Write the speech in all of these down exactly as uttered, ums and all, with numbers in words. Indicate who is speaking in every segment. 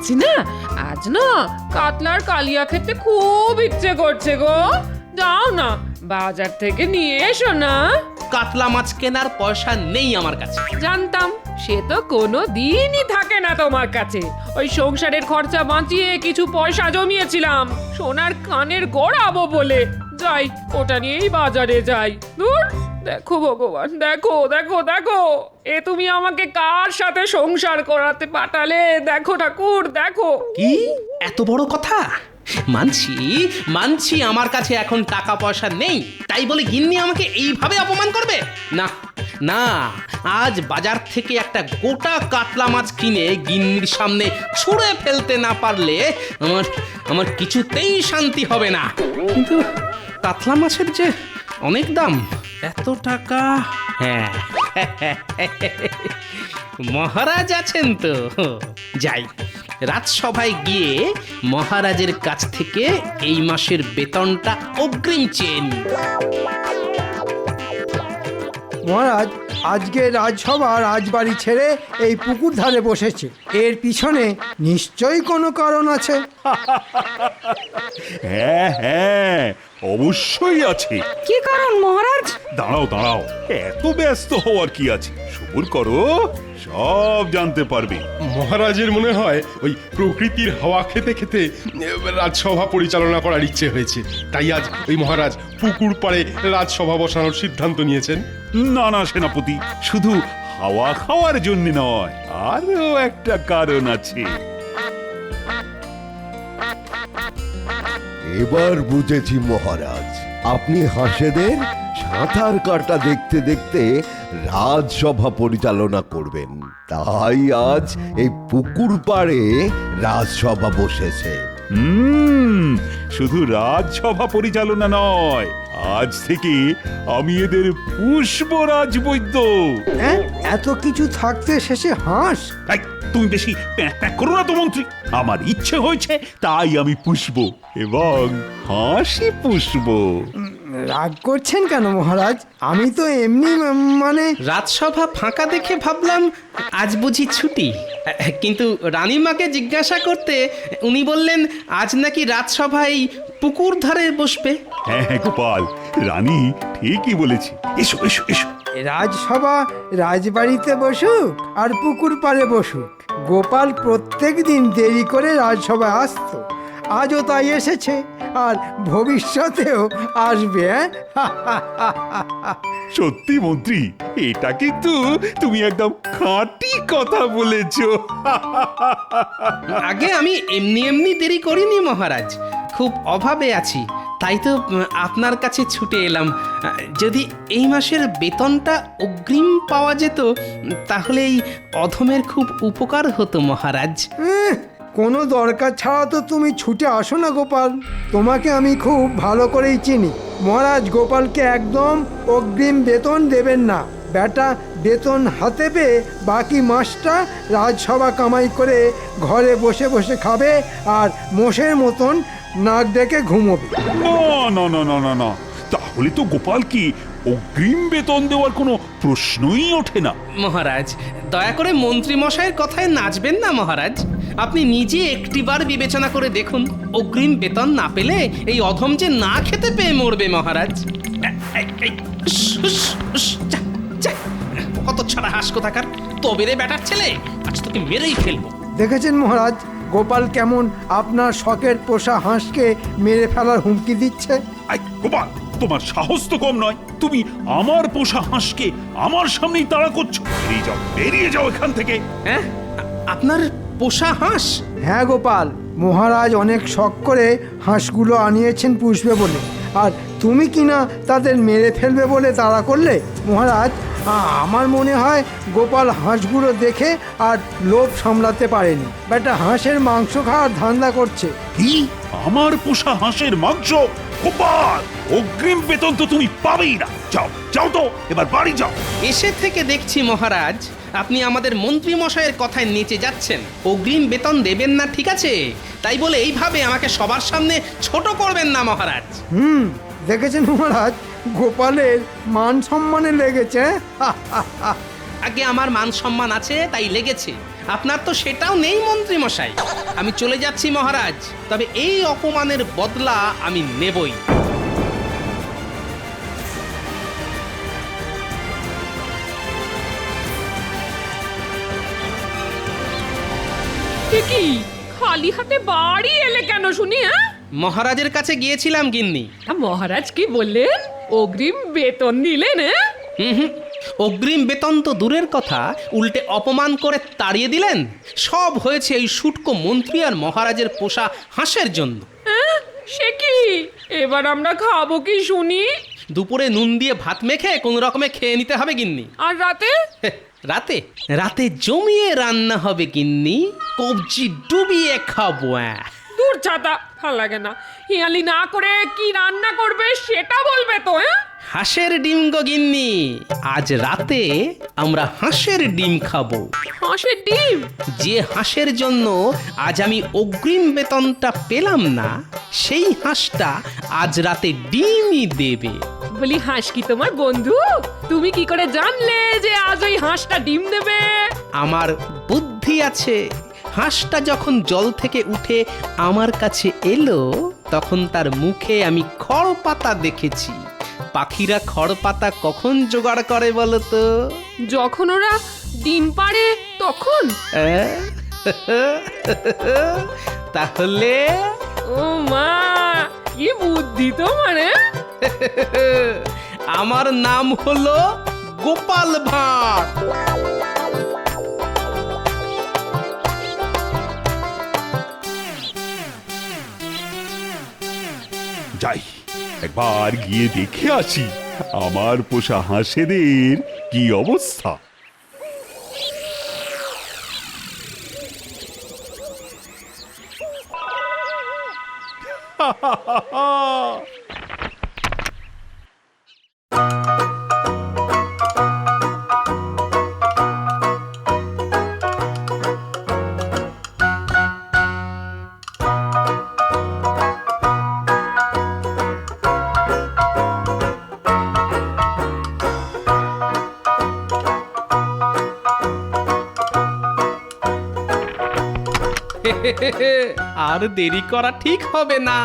Speaker 1: বলছি না, আজ না কাতলার কালিয়া খেতে খুব ইচ্ছে করছে গো। যাও না, বাজার থেকে নিয়ে এসো না।
Speaker 2: কাতলা মাছ কেনার পয়সা নেই আমার কাছে।
Speaker 1: জানতাম, সে তো কোনো দিনই থাকে না তোমার কাছে। ওই সংসারের খরচা বাঁচিয়ে কিছু পয়সা জমিয়েছিলাম সোনার কানের গড়াবো বলে। যাই, ওটা নিয়েই বাজারে যাই। দূর, দেখো ভগবান, দেখো দেখো দেখো, এ তুমি আমাকে কার সাথে সংসার করাতে পাঠালে? দেখো ঠাকুর, দেখো।
Speaker 2: কি এত বড় কথা? মানছি মানছি আমার কাছে এখন টাকা পয়সা নেই, তাই বলে গিন্নি আমাকে এইভাবে অপমান করবে? না না, আজ বাজার থেকে একটা গোটা কাতলা মাছ কিনে গিন্নির সামনে ছুঁড়ে ফেলতে না পারলে আমার আমার কিছুতেই শান্তি হবে না। কিন্তু কাতলা মাছের যে অনেক দাম, এত টাকা। হ্যাঁ, মহারাজ আছেন তো, যাই রাজসভায় গিয়ে মহারাজের কাছ থেকে এই মাসের বেতনটা অগ্রিম চেয়ে নিই।
Speaker 3: মহারাজ, আজকে রাজসভা রাজবাড়ি ছেড়ে এই পুকুর ধারে বসেছে। এর পিছনে নিশ্চয়ই কোনো কারণ আছে।
Speaker 4: হ্যাঁ হ্যাঁ, অবশ্যই আছে।
Speaker 5: কি কারণ মহারাজ?
Speaker 4: দাঁড়াও দাঁড়াও, এত ব্যস্ত হওয়ার কি আছে, সবুর করো, সব জানতে পারবে।
Speaker 6: মহারাজের মনে হয় ওই প্রকৃতির হাওয়া খেতে খেতে রাজসভা পরিচালনা করার ইচ্ছে হয়েছে, তাই আজ ওই মহারাজ পুকুর পাড়ে রাজসভা বসানোর সিদ্ধান্ত নিয়েছেন।
Speaker 4: না না সেনাপতি, শুধু হাওয়া খাওয়ার জন্য নয়, আরো একটা কারণ আছে।
Speaker 7: এবার বুঝেছি মহারাজ, আপনি হাঁসেদের সাঁতার কাটা দেখতে দেখতে রাজসভা পরিচালনা করবেন, তাই আজ এই পুকুর পাড়ে রাজসভা বসেছে।
Speaker 4: হুম, শুধু রাজসভা পরিচালনা নয়, আজ থেকে আমি এদের পুষ্প রাজবৈদ্য।
Speaker 3: হ্যাঁ, এত কিছু থাকতে শেষে হাঁস?
Speaker 4: এই, তুমি বেশি প্যাঁক প্যাঁক করো না তো মন্ত্রী। আমার ইচ্ছে হয়েছে তাই আমি পুষব এবং হাসি পুষব।
Speaker 3: রাগ করছেন কেন মহারাজ? আমি তো এমনি মানে।
Speaker 2: রাজসভা ফাঁকা দেখে ভাবলাম আজ বুঝি ছুটি, কিন্তু রানীমাকে জিজ্ঞাসা করতে উনি বললেন আজ নাকি রাজসভায় পুকুর ধারে বসবে।
Speaker 4: হ্যাঁ হ্যাঁ গোপাল, রানী ঠিকই বলেছে। এসো এসো এসো।
Speaker 3: রাজসভা রাজবাড়িতে বসুক আর পুকুর পাড়ে বসুক, গোপাল প্রত্যেক দিন দেরি করে রাজসভায় আসতো, আজও তাই এসেছে আর ভবিষ্যতেও আসবে।
Speaker 4: সত্যি মন্ত্রী, এটা কিন্তু তুমি একদম খাঁটি কথা বলেছো।
Speaker 2: আগে আমি এমনি এমনি দেরি করিনি মহারাজ, খুব অভাবে আছি, তাই তো আপনার কাছে ছুটে এলাম। যদি এই মাসের বেতনটা অগ্রিম পাওয়া যেত তাহলে এই অধমের খুব উপকার হতো মহারাজ।
Speaker 3: এহ, কোনো দরকার ছাড়া তো তুমি ছুটে আসো না গোপাল, তোমাকে আমি খুব ভালো করেই চিনি। মহারাজ গোপালকে একদম অগ্রিম বেতন দেবেন না। বেটা বেতন হাতে পেয়ে বাকি মাসটা রাজসভা কামাই করে ঘরে বসে বসে খাবে আর মোষের মতন নাক ডেকে ঘুমোবে।
Speaker 4: না না না না না না, তাহলে তো গোপাল কি অগ্রিম বেতন দেওয়ার কোনো প্রশ্নই ওঠে না।
Speaker 2: মহারাজ দয়া করে মন্ত্রী মশাইয়ের কথায় নাচবেন না মহারাজ। আপনি নিজে একটিবার বিবেচনা করে দেখুন, অগ্রিম বেতন না পেলে এই অধম যে না খেতে পেয়ে মরবে মহারাজ। কত ছাড়া হাস কোথাকার, তবে রে বেটার ছেলে, আজ তোকে মেরেই ফেলবো।
Speaker 3: দেখেছেন মহারাজ, গোপাল কেমন আপনার শখের পোষা হাঁসকে মেরে ফেলার হুমকি দিচ্ছে।
Speaker 4: আই গোপাল, তোমার সাহস তো কম নয়, তুমি আমার পোষা হাঁসকে আমার সামনেই তাড়া করছো। বেরিয়ে যাও, বেরিয়ে যাও এখান থেকে।
Speaker 2: হ্যাঁ, আপনার পোষা হাঁস?
Speaker 3: হ্যাঁ গোপাল, মহারাজ অনেক শখ করে হাঁসগুলো আনিয়েছেন পুষবে বলে, আর তুমি কিনা তাদের মেরে ফেলবে বলে তাড়া করলে। মহারাজ, আমার মনে হয় গোপাল হাঁসগুলো দেখে আর লোভ সামলাতে পারেনি, বেটা হাঁসের মাংস খাওয়ার ধান্দা করছে।
Speaker 4: কি, আমার পোষা হাঁসের মাংস? গোপাল, অগ্রিম বেতন তো তুমি পাবেই না। যাও যাও তো, এবার বাড়ি যাও।
Speaker 2: এসে থেকে দেখছি মহারাজ আপনি আমাদের মন্ত্রী মশাইয়ের কথায় নিচে যাচ্ছেন। অগ্রিম বেতন দেবেন না ঠিক আছে, তাই বলে এইভাবে আমাকে সবার সামনে ছোট করবেন না মহারাজ।
Speaker 3: হুম, দেখেছেন মহারাজ, গোপালের মান সম্মানে লেগেছে।
Speaker 2: আগে আমার মান সম্মান আছে তাই লেগেছে, আপনার তো সেটাও নেই মন্ত্রী মশাই। আমি চলে যাচ্ছি মহারাজ, তবে এই অপমানের বদলা আমি নেবই।
Speaker 1: এ কি খালি হাতে বাড়ি এলে কেন শুনি? হ্যাঁ,
Speaker 2: মহারাজের কাছে গিয়েছিলাম গিন্নি।
Speaker 1: মহারাজ কি বললেন? অগ্রিম বেতন দিলেন? হ্যাঁ,
Speaker 2: হুম হুম অগ্রিম বেতন তো দূরের কথা, উল্টে অপমান করে তাড়িয়ে দিলেন। সব হয়েছে এই শুটকো মন্ত্রী আর মহারাজের পোষা হাঁসের জন্য।
Speaker 1: হ্যাঁ, সে কি? এবার আমরা খাবো কি শুনি?
Speaker 2: দুপুরে নুন দিয়ে ভাত মেখে কোন রকমে খেয়ে নিতে হবে গিন্নি।
Speaker 1: আর রাতে?
Speaker 2: হেহ, রাতে রাতে জমিয়ে রান্না হবে গিন্নি, কবজি ডুবিয়ে খাবো। আহ।
Speaker 1: দূর ছাতা, ভাল লাগে না। হিয়ালি না করে কি রান্না করবে সেটা বলবে তো? হ্যাঁ,
Speaker 2: হাঁসের ডিম গো গিন্নি, আজ রাতে আমরা হাঁসের ডিম খাবো।
Speaker 1: হাঁসের ডিম?
Speaker 2: যে হাঁসের জন্য আজ আমি অগ্রিম বেতনটা পেলাম না, সেই হাঁসটা আজ রাতে ডিমই দেবে।
Speaker 1: বলি, হাঁস কি তোমার বন্ধু? তুমি কি করে জানলে যে আজ ওই হাঁসটা ডিম দেবে?
Speaker 2: আমার বুদ্ধি আছে। হাঁসটা যখন জল থেকে উঠে আমার কাছে এলো, তখন তার মুখে আমি খড় পাতা দেখেছি। পাখিরা খড় পাতা কখন জোগাড় করে বলো তো?
Speaker 1: যখন ওরা ডিম পাড়ে তখন?
Speaker 2: আহ? তাহলে
Speaker 1: ও মা, কি বুদ্ধি তোমার! হ্যাঁ?
Speaker 2: আমার নাম হলো গোপাল ভাঁড়।
Speaker 4: যাই একবার গিয়ে দেখে আসি আমার পোষা হাঁসেদের কি অবস্থা।
Speaker 2: আর দেরি করা ঠিক হবে না।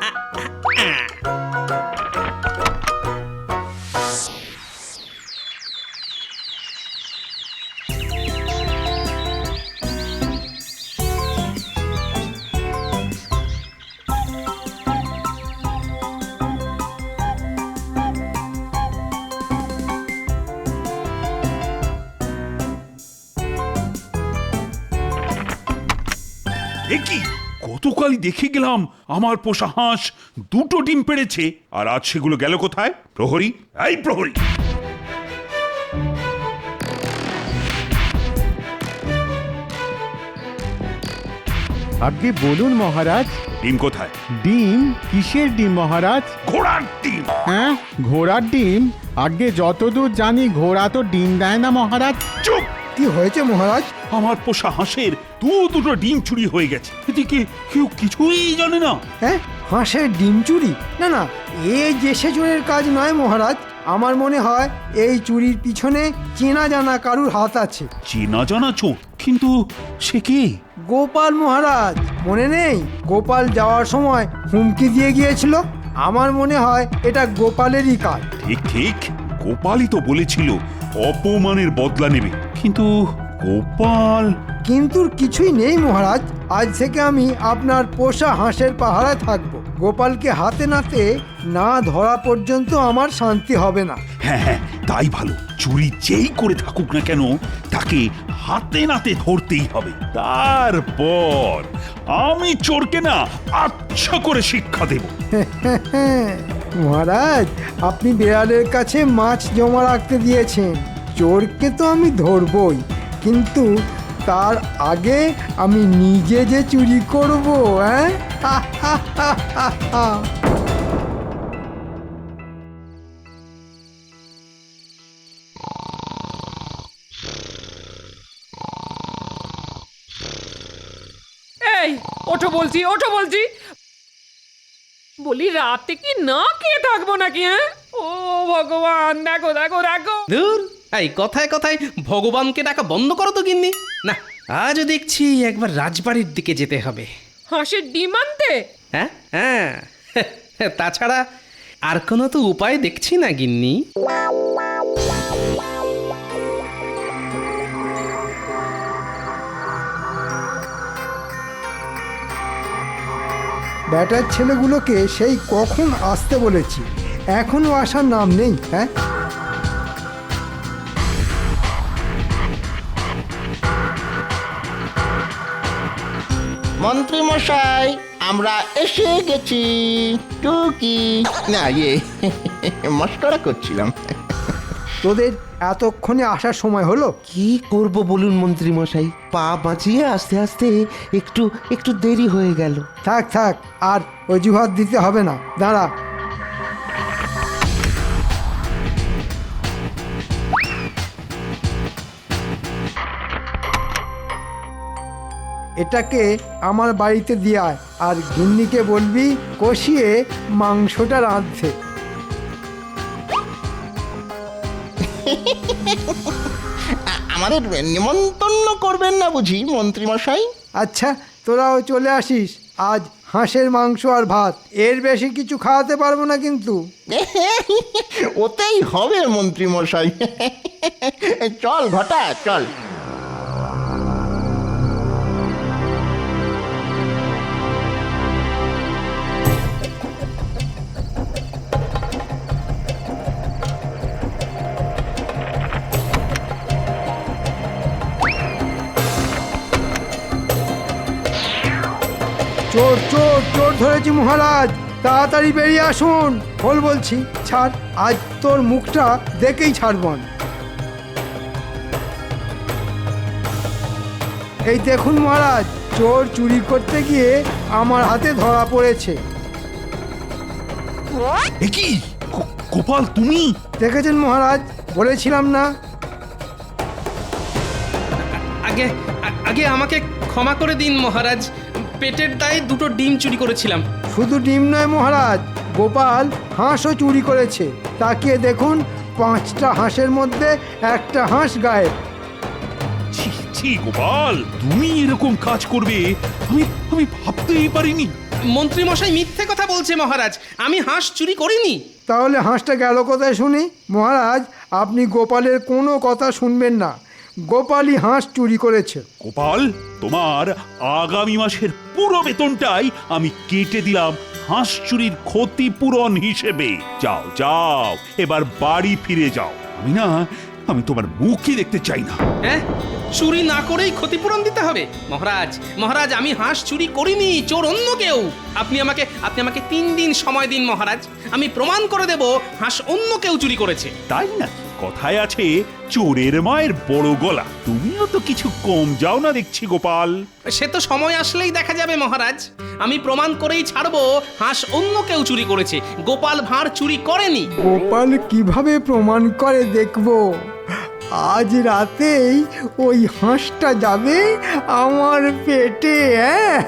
Speaker 4: কি গতকালই দেখে গেলাম আমার পোষা হাঁস দুটো ডিম পেড়েছে, আর আজ সেগুলো গেল কোথায়? প্রহরী, এই প্রহরী!
Speaker 5: আগে বলুন মহারাজ।
Speaker 4: ডিম কোথায়?
Speaker 5: ডিম? কিসের ডিম মহারাজ?
Speaker 4: ঘোড়ার ডিম।
Speaker 5: হ্যাঁ, ঘোড়ার ডিম? আগে যতদূর জানি ঘোড়া তো ডিম দেয় না মহারাজ।
Speaker 4: চুপ!
Speaker 3: কি হয়েছে মহারাজ?
Speaker 4: আমার পোষা হাঁসের দু দুটো ডিম চুরি হয়ে গেছে, এদিকে কেউ কিছুই জানে না।
Speaker 3: হ্যাঁ, হাঁসের ডিম চুরি? না না, এ যে সেজনের কাজ নয় মহারাজ। আমার মনে হয় এই চুরির পিছনে চেনা জানা কারুর হাত আছে।
Speaker 4: চেনা জানা চোর? কিন্তু সে কে?
Speaker 3: গোপাল মহারাজ, মনে নেই? গোপাল যাওয়ার সময় হুমকি দিয়ে গিয়েছিল। আমার মনে হয় এটা গোপালেরই কাজ।
Speaker 4: ঠিক ঠিক, গোপালই তো বলেছিল অপমানের বদলা নেবে, কিন্তু গোপাল।
Speaker 3: কিন্তু কিছুই নেই মহারাজ। আজ থেকে আমি আপনার পোষা হাঁসের পাহারায় থাকব। গোপালকে হাতে নাতে না ধরা পর্যন্ত আমার শান্তি হবে না।
Speaker 4: হ্যাঁ হ্যাঁ, তাই ভালো। চুরি যেই করে থাকুক না কেন, তাকে হাতে নাতে ধরতেই হবে। তারপর আমি চোরকে না আচ্ছা করে শিক্ষা দেব।
Speaker 3: মহারাজ, আপনি বিড়ালের কাছে মাছ জমা রাখতে দিয়েছেন। চোরকে তো আমি ধরবই, কিন্তু তার আগে আমি নিজে যে চুরি করব। হ্যাঁ,
Speaker 1: এই ওঠো বলছি, ওঠো বলছি। বলি, রাতে কি না খেয়ে থাকবো নাকি? হ্যাঁ, ও ভগবান, দেখো দেখো দেখো।
Speaker 2: ধুর, এই কথায় কথায় ভগবানকে ডাকা বন্ধ করো তো গিন্নি। না, আজও দেখছি একবার রাজবাড়ির দিকে যেতে হবে।
Speaker 1: হাঁসের ডিম আনতে?
Speaker 2: হ্যাঁ হ্যাঁ তাছাড়া আর কোনো তো উপায় দেখছি না গিন্নি।
Speaker 3: ব্যাটার ছেলেগুলোকে সেই কখন আসতে বলেছি, এখনো আসার নাম নেই। হ্যাঁ,
Speaker 8: মন্ত্রী মশাই, আমরা এসে গেছি। টুকি না, ইয়ে মস্করা করছিলাম।
Speaker 3: তোদের এতক্ষণে আসার সময় হলো?
Speaker 9: কি করব বলুন মন্ত্রী মশাই, পা বাঁচিয়ে আস্তে আস্তে একটু একটু দেরি হয়ে গেল।
Speaker 3: থাক থাক, আর অজুহাত দিতে হবে না, দাঁড়া। এটাকে আমার বাড়িতে দিয়ে আয়, আর গিন্নিকে বলবি কষিয়ে মাংসটা রাঁধতে।
Speaker 8: আ- আমাদের নিমন্ত্রণ করবেন না বুঝি মন্ত্রী মশাই?
Speaker 3: আচ্ছা, তোরাও চলে আসিস। আজ হাঁসের মাংস আর ভাত, এর বেশি কিছু খাওয়াতে পারবো না কিন্তু।
Speaker 8: ওতেই হবে মন্ত্রী মশাই। চল ঘটা, চল।
Speaker 3: চোর চোর চোর ধরেছি মহারাজ, তাড়াতাড়ি বেরিয়ে আসুন। বল বলছি, ছাড়, আজ তোর মুখটা দেখেই ছাড়বন। এই দেখুন মহারাজ, চোর চুরি করতে গিয়ে আমার হাতে ধরা পড়েছে।
Speaker 4: এ কি গো- গোপাল, তুমি?
Speaker 3: দেখেছেন মহারাজ, বলেছিলাম না?
Speaker 2: আগে আ- আগে আমাকে ক্ষমা করে দিন মহারাজ, পেটের দায়ে দুটো ডিম চুরি করেছিলাম।
Speaker 3: শুধু ডিম নয় মহারাজ, গোপাল হাঁসও চুরি করেছে। তাকিয়ে দেখুন, পাঁচটা হাঁসের মধ্যে একটা হাঁস গায়েব।
Speaker 4: ছি ছি গোপাল, তুমি এরকম কাজ করবে আমি আমি ভাবতেই পারিনি।
Speaker 2: মন্ত্রী মশাই মিথ্যে কথা বলছে মহারাজ, আমি হাঁস চুরি করিনি।
Speaker 3: তাহলে হাঁসটা গেল কোথায় শুনি? মহারাজ, আপনি গোপালের কোনো কথা শুনবেন না, গোপালই হাঁস চুরি করেছে।
Speaker 4: গোপাল, তোমার আগামী মাসের পুরো বেতনটাই আমি কেটে দিলাম হাঁস চুরির ক্ষতিপূরণ হিসেবে। যাও যাও, এবার বাড়ি ফিরে যাও। আমি না আমি তোমার মুখই দেখতে চাই না।
Speaker 2: হ্যাঁ, চুরি না করেই ক্ষতিপূরণ দিতে হবে? মহারাজ মহারাজ আমি হাঁস চুরি করিনি, চোর অন্য কেউ। আপনি আমাকে আপনি আমাকে তিন দিন সময় দিন মহারাজ, আমি প্রমাণ করে দেব হাঁস অন্য কেউ চুরি করেছে।
Speaker 4: তাই না? কথায় আছে চোরের মায়ের বড় গলা। তুমিও তো কিছু কম যাও না দেখছি গোপাল।
Speaker 2: সে তো সময় আসলেই দেখা যাবে মহারাজ, আমি প্রমাণ করেই ছাড়বো হাঁস অন্য কেউ চুরি করেছে, গোপাল ভাঁড় চুরি করেনি।
Speaker 3: গোপাল কিভাবে প্রমাণ করে দেখব। আজ রাতেই ওই হাঁসটা যাবে আমার পেটে। হ্যাঁ,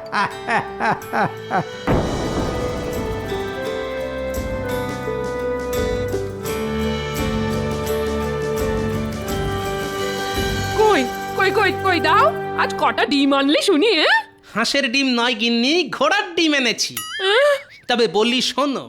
Speaker 1: কই কই কই কই দাও, আজ কটা ডিম আনলি শুনি? হ্যাঁ,
Speaker 2: হাঁসের ডিম নয় গিন্নি, ঘোড়ার ডিম এনেছি। তবে বলি শোনো,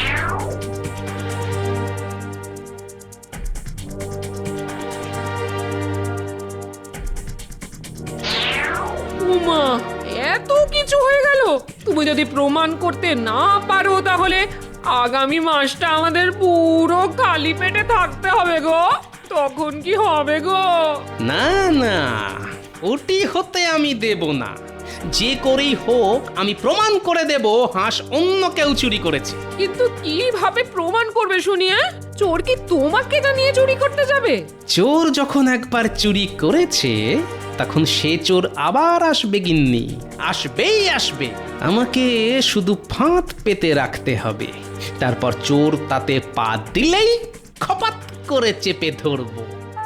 Speaker 1: উমা, এত কিছু হয়ে গেল। তুমি যদি প্রমাণ করতে না পারো তাহলে আগামী মাসটা আমাদের পুরো খালি পেটে থাকতে হবে গো। তখন কি হবে গো?
Speaker 2: না না, ওটি হতে আমি দেব না। যে করেই হোক আমি প্রমাণ করে দেব হাঁস অন্য কেউ চুরি করেছে।
Speaker 1: কিন্তু কিভাবে প্রমাণ করবে শুনি? হ্যাঁ, চোর কি তোমাকে জানিয়ে চুরি করতে যাবে?
Speaker 2: চোর যখন একবার চুরি করেছে তখন সে চোর আবার আসবে গিন্নি, আসবেই আসবে। আমাকে শুধু ফাঁদ পেতে রাখতে হবে, তারপর চোর তাতে পা দিলেই খপাত করে চেপে ধরবো।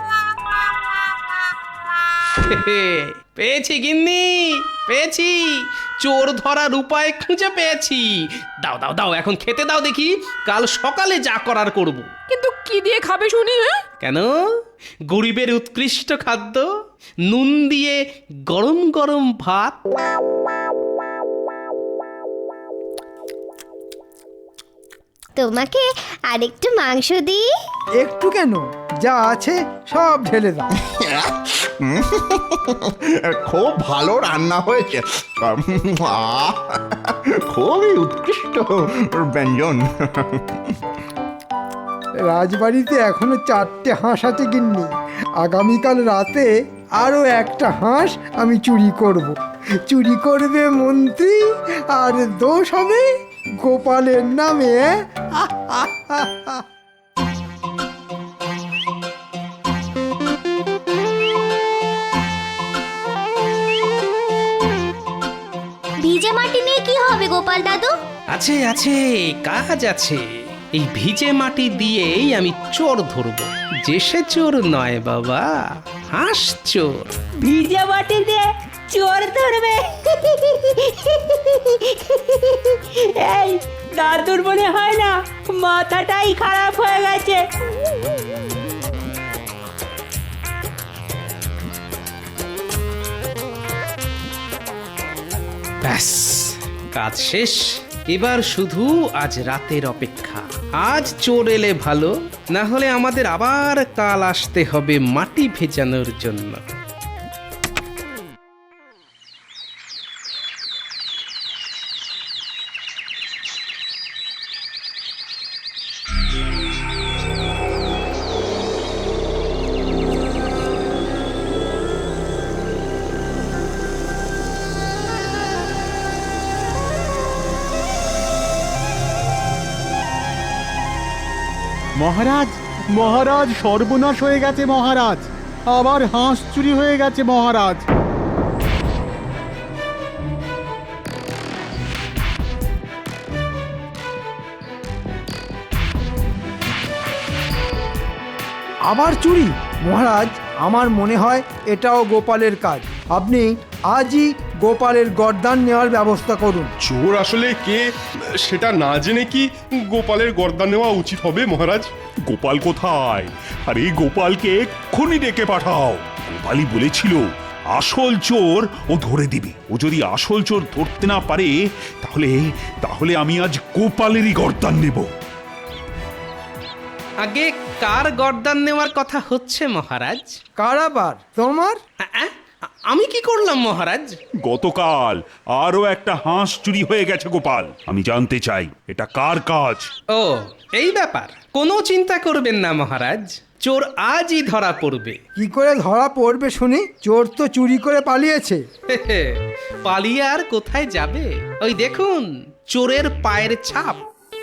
Speaker 2: পেয়েছি গিন্নি, পেয়েছি, চোর ধরার উপায় খুঁজে পেয়েছি। দাও দাও দাও, এখন খেতে দাও দেখি, কাল সকালে যা করার করব।
Speaker 1: কিন্তু কি দিয়ে খাবে শুনি? হ্যাঁ,
Speaker 2: কেন, গরিবের উৎকৃষ্ট খাদ্য নুন দিয়ে গরম গরম ভাত।
Speaker 10: তোমাকে আরেকটু মাংস দিই?
Speaker 3: একটু কেন, যা আছে সব ঢেলে দাও।
Speaker 8: খুব ভালো রান্না হয়েছে। আহ, খুবই উৎকৃষ্ট ব্যঞ্জন।
Speaker 3: রাজবাড়িতে এখনো চারটে হাঁস আছে গিন্নি। আগামীকাল রাতে আরো একটা হাঁস আমি চুরি করব। চুরি করবে মন্ত্রী আর দোষ হবে গোপালের নামে। আহ, আহ, আহ, আহ।
Speaker 10: ভিজে মাটি নিয়ে কি হবে গোপাল দাদু?
Speaker 2: আছে আছে, কাজ আছে। এই ভিজে মাটি দিয়েই আমি চোর ধরব। যে সে চোর নয় বাবা, হাঁস চোর।
Speaker 11: ভিজে মাটি দিয়ে চোর ধরবে? এই দাদুর মনে হয় না মাথাটাই খারাপ হয়ে গেছে।
Speaker 2: ব্যাস, কাজ শেষ। এবার শুধু আজ রাতের অপেক্ষা। আজ চোর এলে ভালো, না হলে আমাদের আবার কাল আসতে হবে মাটি ভেজানোর জন্য।
Speaker 5: মহারাজ, মহারাজ, সর্বনাশ হয়ে গেছে মহারাজ। আবার হাঁস চুরি হয়ে গেছে মহারাজ।
Speaker 3: আবার চুরি? মহারাজ, আমার মনে হয় এটাও গোপালের কাজ। আপনি আজই গোপালের গর্দান নেওয়ার ব্যবস্থা করুন।
Speaker 6: চোর আসলে কে সেটা না জেনে কি গোপালের গর্দান নেওয়া উচিত হবে মহারাজ?
Speaker 4: গোপাল কোথায়? আরে গোপালকে এক্ষুনি ডেকে পাঠাও। গোপালই বলেছিল আসল চোর ও ধরে দিবে। ও যদি আসল চোর ধরতে না পারে তাহলে তাহলে আমি আজ গোপালেরই গর্দান নেব।
Speaker 2: আগে কার গর্দান নেওয়ার কথা হচ্ছে মহারাজ?
Speaker 3: কারাবার তোমার?
Speaker 2: আ, আ, আমি কি করলাম মহারাজ?
Speaker 4: গতকাল আরো একটা হাঁস চুরি হয়ে গেছে গোপাল। আমি জানতে চাই এটা কার কাজ।
Speaker 2: ও, এই ব্যাপার। কোনো চিন্তা করবেন না মহারাজ, চোর আজই ধরা পড়বে।
Speaker 3: কি করে ধরা পড়বে শুনি? চোর তো চুরি করে পালিয়েছে।
Speaker 2: পালিয়ে আর কোথায় যাবে? ওই দেখুন, চোরের পায়ের ছাপ।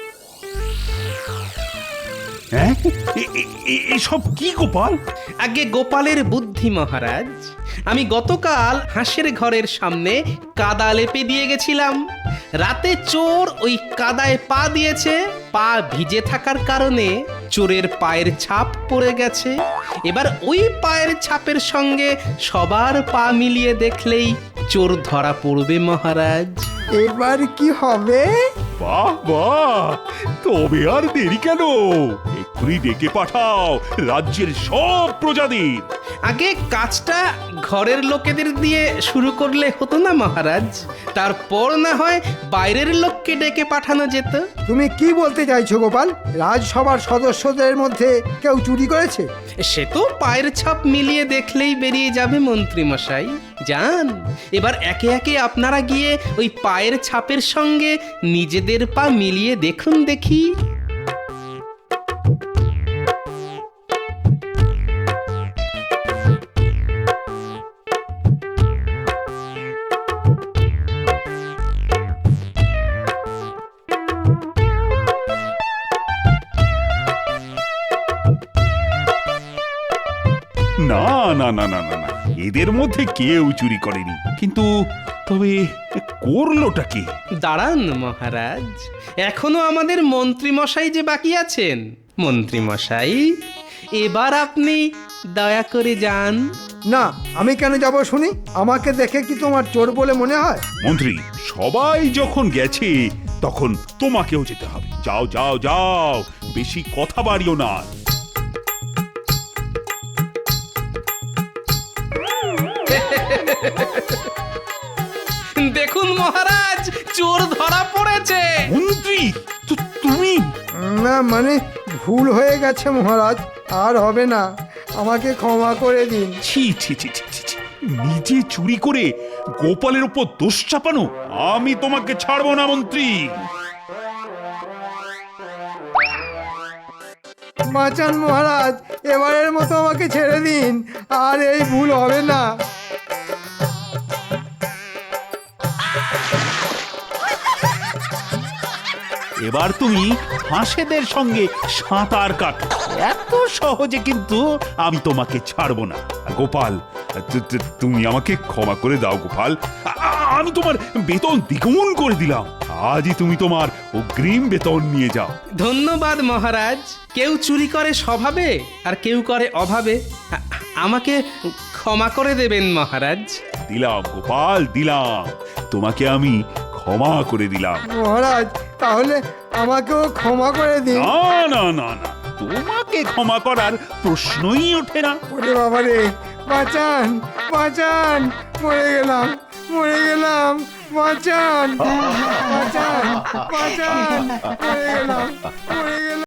Speaker 4: হ্যাঁ, এ- এ- এ- এসব কি গোপাল?
Speaker 2: আগে গোপালের বুদ্ধি মহারাজ। আমি গতকাল হাঁসের ঘরের সামনে কাদা লেপে দিয়ে গেছিলাম। রাতে চোর ওই কাদায় পা দিয়েছে। পা ভিজে থাকার কারণে চোরের পায়ের ছাপ পড়ে গেছে। এবার ওই পায়ের ছাপের সঙ্গে সবার পা মিলিয়ে দেখলেই চোর ধরা পড়বে মহারাজ।
Speaker 3: এবার কি হবে?
Speaker 4: বাহ বাহ, তবে আর দেরি কেন? এক্ষুনি ডেকে পাঠাও রাজ্যের সব প্রজাদের।
Speaker 2: আগে কাজটা ঘরের লোকেদের দিয়ে শুরু করলে হতো না মহারাজ? তারপর না হয় বাইরের লোককে ডেকে পাঠানো যেত।
Speaker 3: তুমি কি বলতে চাইছো গোপাল? রাজসভার সদস্যদের মধ্যে কেউ চুরি করেছে?
Speaker 2: সে তো পায়ের ছাপ মিলিয়ে দেখলেই বেরিয়ে যাবে মন্ত্রী মশাই। যান, এবার একে একে আপনারা গিয়ে ওই পায়ের ছাপের সঙ্গে নিজেদের পা মিলিয়ে দেখুন দেখি।
Speaker 4: না না না না না না, এদের মধ্যে কেউ চুরি করেনি। কিন্তু তবে করলোটা কি?
Speaker 2: দাঁড়ান মহারাজ, এখনো আমাদের মন্ত্রী মশাই যে বাকি আছেন। মন্ত্রী মশাই, এবার আপনি দয়া করে যান।
Speaker 3: না, আমি কেন যাব শুনি? আমাকে দেখে কি তোমার চোর বলে মনে হয়?
Speaker 4: মন্ত্রী, সবাই যখন গেছে তখন তোমাকেও যেতে হবে। যাও যাও যাও, বেশি কথা বাড়িও না।
Speaker 2: দেখুন মহারাজ, চোর ধরা পড়েছে।
Speaker 4: মন্ত্রী তু- তুমি
Speaker 3: না মানে ভুল হয়ে গেছে মহারাজ, আর হবে না, আমাকে ক্ষমা করে দিন।
Speaker 4: ছি ছি ছি ছি ছি ছি। নিজে চুরি করে গোপালের উপর দোষ চাপানো, আমি তোমাকে ছাড়বো না মন্ত্রী।
Speaker 3: বাঁচান মহারাজ, এবারের মতো আমাকে ছেড়ে দিন, আর এই ভুল হবে না।
Speaker 4: এবার তুমি হাঁসেদের সঙ্গে সাঁতার কাটো। এত সহজে কিন্তু আমি তোমাকে ছাড়বো না। গোপাল, তু- তু- তুমি আমাকে ক্ষমা করে দাও গোপাল। আ- আ- আমি তোমার বেতন দ্বিগুণ করে দিলাম। আজই তুমি তোমার অগ্রিম বেতন নিয়ে যাও।
Speaker 2: ধন্যবাদ মহারাজ। কেউ চুরি করে স্বভাবে আর কেউ করে অভাবে। আ- আমাকে ক্ষমা করে দেবেন মহারাজ।
Speaker 4: দিলাম গোপাল, দিলাম। তোমাকে আমি ক্ষমা করে দিলাম।
Speaker 3: মহারাজ তাহলে আমাকেও ক্ষমা করে দিন।
Speaker 4: না না না না, তোমাকে ক্ষমা করার প্রশ্নই ওঠে না।
Speaker 3: ওরে বাবা রে, বাঁচান বাঁচান, মরে গেলাম মরে গেলাম, বাঁচান বাঁচান বাঁচান, মরে গেলাম মরে গেলাম।